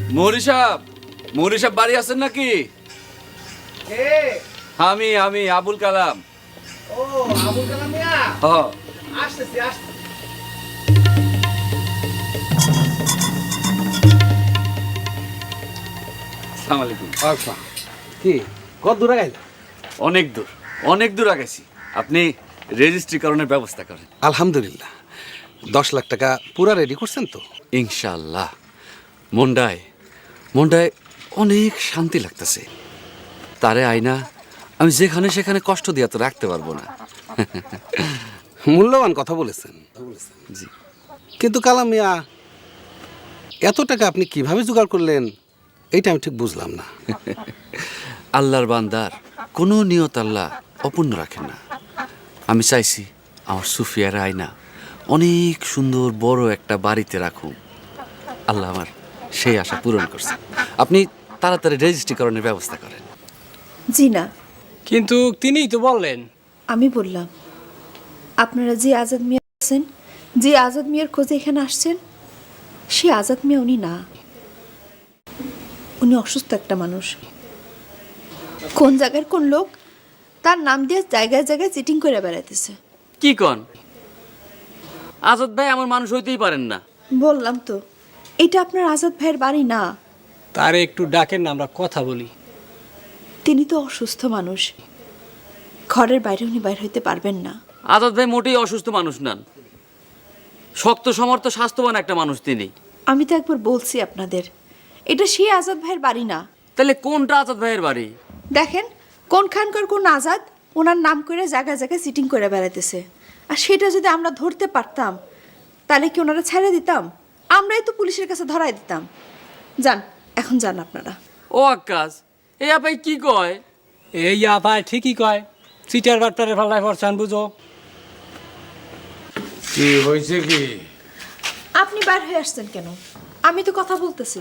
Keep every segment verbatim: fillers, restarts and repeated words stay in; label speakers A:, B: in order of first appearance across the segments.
A: মৌরি সাহেব, মৌরি সাহেব বাড়ি আছেন নাকি?
B: কে?
A: আমি আমি আবুল কালাম।
B: ও আবুল কালাম মিয়া,
A: হ্যাঁ
B: আসতেছি আসতেছি।
A: আসসালামু আলাইকুম।
B: আচ্ছা, কি কত দূরে গেল?
A: অনেক দূর, অনেক দূর আগেছি। আপনি রেজিস্ট্রিকরণের ব্যবস্থা করেন।
C: আলহামদুলিল্লাহ, দশ লাখ টাকা পুরা রেডি করছেন তো?
A: ইনশাআল্লাহ। মন্ডায় মন্ডায় অনেক শান্তি লাগতেছে। তারে আয়না আমি যেখানে সেখানে কষ্ট দিয়া তো রাখতে পারবো না।
C: মূল্যবান কথা বলেছেন।
A: জি।
C: কিন্তু কালাম মিয়া, এত টাকা আপনি কিভাবে জোগাড় করলেন এইটা আমি ঠিক বুঝলাম না।
A: আল্লাহর বান্দার কোনো নিয়ত আল্লাহ অপূর্ণ রাখেন না। আমি চাইছি আমার সুফিয়ার আয়না অনেক সুন্দর বড় একটা বাড়িতে রাখুন। আল্লাহ আমার সেই আশা পূরণ করছে। আপনি তাড়াতাড়ি রেজিস্ট্রিকরণের ব্যবস্থা করেন।
D: জি না,
E: কিন্তু তিনিই তো বললেন।
D: আমি বললাম আপনারা যে আজাদ মিয়া আছেন, যে আজাদ মিয়ার খোঁজে এখানে আসছেন, সে আজাদ মিয়া উনি না। উনি অসুস্থ একটা মানুষ। কোন জায়গার কোন লোক তার নাম দিয়ে জায়গায় জায়গায় চিটিং করে বেড়াইতেছে।
A: কি কন? আজাদ ভাই আমার মানুষ হইতেই পারেন না।
D: বললাম তো, এটা আপনার আজাদ ভাইয়ের বাড়ি না।
E: তারে একটু ডাকেন না, আমরা কথা বলি।
D: তিনি তো অসুস্থ মানুষ, ঘরের বাইরে উনি বাইর হইতে পারবেন না।
A: আজাদ ভাই মোটেই অসুস্থ মানুষ নন, শক্ত সমর্থ স্বাস্থ্যবান একটা মানুষ তিনি।
D: আমি তো একবার বলছি আপনাদের, এটা সেই আজাদ ভাইয়ের বাড়ি না।
A: তাহলে কোনটা আজাদ ভাইয়ের বাড়ি?
D: দেখেন কোনখানকার কোন আজাদ ওনার নাম করে জায়গায় জায়গায় সিটিং করে বেড়াইতেছে। আর সেটা যদি আমরা ধরতে পারতাম তাহলে কি ওনারা ছেড়ে দিতাম? আমরাই তো পুলিশের কাছে ধরাই দিতাম। যান, এখন যান আপনারা।
A: ও আকাশ, এই আপাই কি কয়?
E: এই আপায় ঠিকই কয়, সিটার বাট্টারে ফাল্লায় পড়ছান বুঝো।
B: কি হয়েছে কি?
D: আপনি বার হয়ে আসছেন কেন? আমি তো কথা বলতেছি।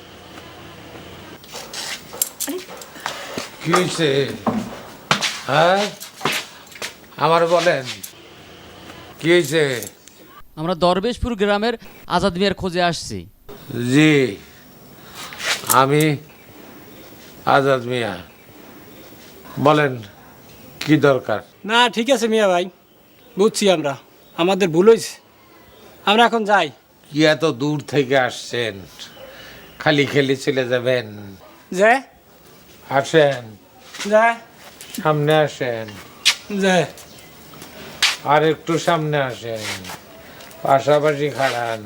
D: আরে,
B: কি হয়েছে? হ্যাঁ, আমার বলেন কি হয়েছে?
F: আমরা দরবেশপুর গ্রামের আজাদ মিয়ার খোঁজে আসছি।
B: জি, আমি আজাদ মিয়া। বলেন কি দরকার?
E: না ঠিক আছে মিয়া ভাই, বুঝছি আমরা, আমাদের ভুল হয়েছে। আমরা এখন যাই।
B: কি এত দূর থেকে আসছেন? খালি খেলি চলে যাবেন?
E: যে
B: আসেন,
E: যায়
B: সামনে আসেন,
E: যায়
B: আর একটু সামনে আসেন, পাশাপাশি খাড়ান।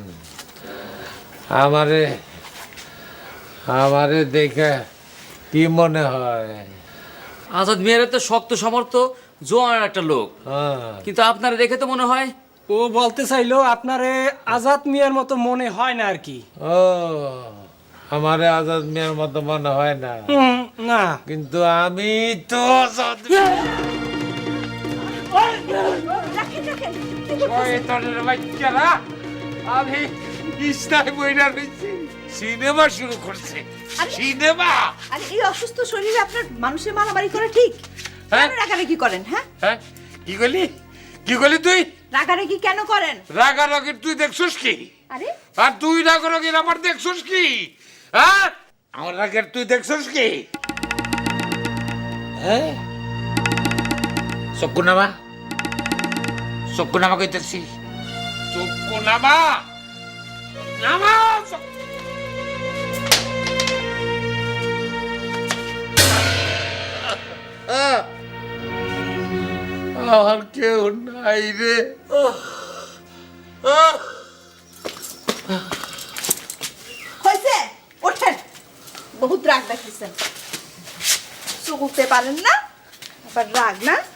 B: আমারে আমারে দেখে কি মনে হয়?
A: আজাদ মিয়ার তো শক্ত সমর্থ জোয়ান একটা লোক,
B: হ্যাঁ,
A: কিন্তু আপনারা দেখে তো মনে হয়।
E: ও বলতে চাইলো আপনারে আজাদ মিয়ার মতো মনে হয় না আর কি।
B: ও আমারে আজাদ মিয়ার মতো মনে হয় না,
E: হুম, না
B: কিন্তু আমি তো আজাদ শয়তানের বাচ্চারা, আমি ইসলাম বইরা রয়েছি, সিনেমা শুরু করছে। সিনেমা?
D: আরে এই অসুস্থ শরীরে আপনার মানুষের মারামারি করা ঠিক?
B: হ্যাঁ?
D: কেন রাগারাগি করেন? হ্যাঁ,
B: হ্যাঁ, কি করলি? কি করলি তুই?
D: রাগারাগি কেন করেন?
B: রাগারাগির তুই দেখছিস কি?
D: আরে
B: আর তুই রাগারাগির আমার দেখছিস কি? হ্যাঁ, আমার রাগের তুই দেখছিস কি? হ্যাঁ, চক্ষু নামা, চক্ষু নামা কইতেছি, চক্ষু নামা, নামা। আর কেউ নাই রে।
D: হয়েছে, ওঠেন। বহুত রাগ দেখাইছেন, চুকুতে পারেন না, আবার রাগ না।